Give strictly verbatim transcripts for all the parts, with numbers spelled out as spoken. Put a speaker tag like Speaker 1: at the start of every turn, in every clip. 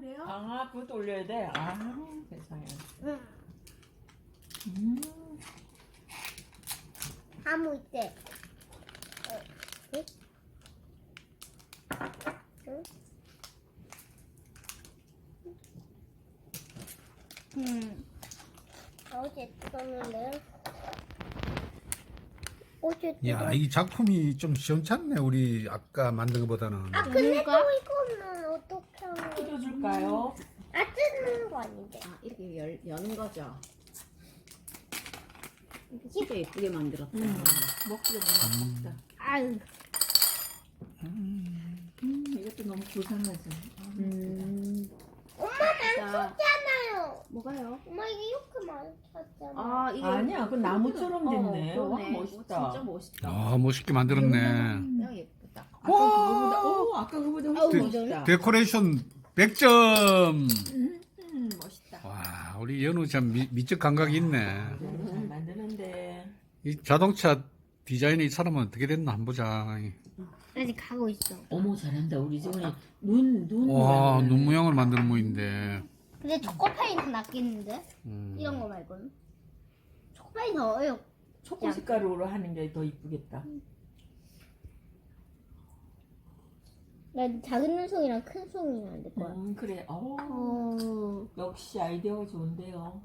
Speaker 1: 그래요?
Speaker 2: 아, 그것도 올려야 돼? 아, 세상에.
Speaker 3: 응.
Speaker 2: 음.
Speaker 3: 아무 있대. 어, 응? 응? 음. 어제 떴는데. 어제
Speaker 4: 야,
Speaker 3: 떴.
Speaker 4: 이 작품이 좀 시원찮네. 우리 아까 만든 것보다는.
Speaker 3: 아 근데 또
Speaker 1: 뭔가?
Speaker 3: 이거는 어떻게 하는 거야?
Speaker 2: 뜯어줄까요?
Speaker 3: 아 뜯는 거 아닌데.
Speaker 1: 아, 이렇게 열, 여는 거죠? 진짜 예쁘게 만들었다.
Speaker 2: 음. 먹기도 막 먹다.
Speaker 3: 아유.
Speaker 2: 음, 이것도 너무 고상하죠.
Speaker 1: 음.
Speaker 3: 엄마
Speaker 1: 자,
Speaker 3: 많잖아요.
Speaker 1: 뭐가요?
Speaker 3: 엄마 이게 이렇게 많잖아.
Speaker 1: 아, 이게
Speaker 2: 아니야, 그 나무처럼 됐네.
Speaker 1: 어,
Speaker 2: 와,
Speaker 1: 그러네.
Speaker 2: 멋있다.
Speaker 1: 오, 진짜 멋있다.
Speaker 4: 아, 멋있게 만들었네.
Speaker 1: 야, 예쁘다.
Speaker 2: 아까 그거보다, 오, 아까 그거보다 훨씬
Speaker 1: 어우,
Speaker 2: 멋있다.
Speaker 4: 데코레이션 백 점.
Speaker 2: 음, 멋있다.
Speaker 4: 와, 우리 연우 참 미, 미적 감각이 있네.
Speaker 2: 너무 잘 만드는데.
Speaker 4: 이 자동차 디자인이 이 사람은 어떻게 됐나 한번 보자.
Speaker 3: 아직 가고 있어.
Speaker 2: 어머, 잘한다. 우리 지금 눈, 눈.
Speaker 4: 와,
Speaker 2: 모양을
Speaker 4: 눈 모양을 만드는 모인데.
Speaker 3: 근데 초코파이 더 낫겠는데?
Speaker 4: 음.
Speaker 3: 이런 거 말고는. 초코파이 더 어려.
Speaker 2: 초코 색깔로 하는 게 더 이쁘겠다.
Speaker 3: 난 작은 눈송이랑 큰 송이 만들 거야.
Speaker 2: 음, 그래. 어,
Speaker 3: 어.
Speaker 2: 역시 아이디어가 좋은데요.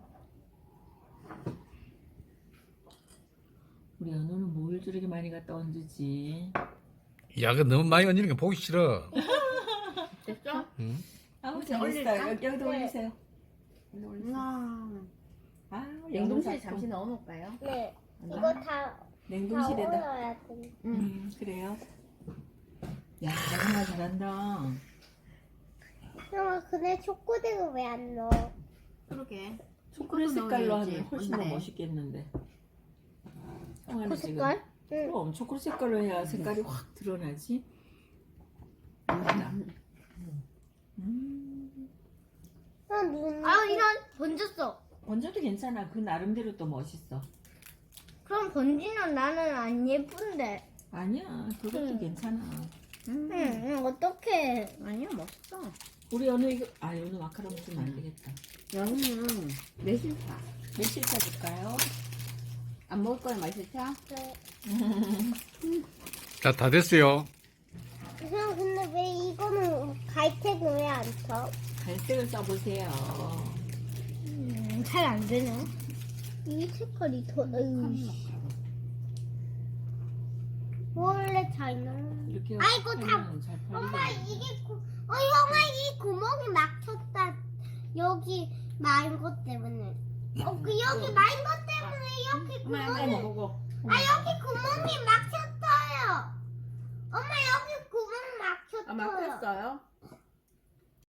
Speaker 2: 우리 연우는 뭘 저렇게 많이 갖다 얹지?
Speaker 4: 야, 그 너무 많이 얹는 게 보기 싫어.
Speaker 1: 됐죠?
Speaker 4: 응?
Speaker 2: 아우,
Speaker 1: 이제
Speaker 2: 잘했어요.
Speaker 1: 올릴까?
Speaker 2: 여기, 여기도
Speaker 3: 네.
Speaker 2: 올리세요. 여기도 올리세요.
Speaker 1: 우와.
Speaker 2: 아,
Speaker 1: 냉동실에
Speaker 2: 연우
Speaker 1: 잠시
Speaker 2: 작품.
Speaker 1: 넣어놓을까요?
Speaker 3: 네. 이거 다, 다
Speaker 2: 냉동실에다.
Speaker 3: 얼어야 돼.
Speaker 2: 음, 그래요. 야, 정말 잘한다.
Speaker 3: 형아, 근데 초코색은 왜 안 넣어?
Speaker 1: 그러게.
Speaker 2: 초콜릿
Speaker 1: 초코도
Speaker 2: 색깔로
Speaker 1: 넣어야지.
Speaker 2: 하면 훨씬 더
Speaker 1: 맞네.
Speaker 2: 멋있겠는데. 형아는
Speaker 3: 그
Speaker 2: 지금
Speaker 3: 색깔? 응.
Speaker 2: 그럼 초콜릿 색깔로 해야 색깔이 확 드러나지.
Speaker 1: 음.
Speaker 2: 음.
Speaker 3: 아, 눈. 아, 이런 번졌어.
Speaker 2: 번져도 괜찮아. 그 나름대로 또 멋있어.
Speaker 3: 그럼 번지는 나는 안 예쁜데.
Speaker 2: 아니야, 그것도
Speaker 3: 응.
Speaker 2: 괜찮아.
Speaker 1: 음.
Speaker 3: 응, 응, 어떡해.
Speaker 1: 아니야, 멋있어.
Speaker 2: 우리 연우 이거 아 연우 마카롱 좀 안 되겠다.
Speaker 1: 여기는 매실차.
Speaker 2: 매실차 줄까요?
Speaker 1: 안 먹을 거야, 매실차?
Speaker 3: 네.
Speaker 4: 자, 다 됐어요.
Speaker 3: 형, 근데 왜 이거는 갈색은 왜 안 쳐?
Speaker 2: 갈색을 써보세요.
Speaker 3: 음, 잘 안 되네. 이 색깔이 더, 으이. 원래 잘 나와.
Speaker 2: 이렇게
Speaker 3: 아이고, 다-
Speaker 2: 하면 잘
Speaker 3: 엄마,
Speaker 2: 팔리겠네.
Speaker 3: 이게, 구, 어, 형아, 이 구멍이 막혔다. 여기 마인 것 때문에. 어, 그, 여기 마인 것 때문에 여기
Speaker 1: 엄마,
Speaker 3: 구멍이,
Speaker 1: 엄마 먹어.
Speaker 3: 아, 여기 구멍이 막혔어요. 엄마, 여기 구멍
Speaker 1: 아,
Speaker 3: 막혔어요.
Speaker 1: 막혔어요?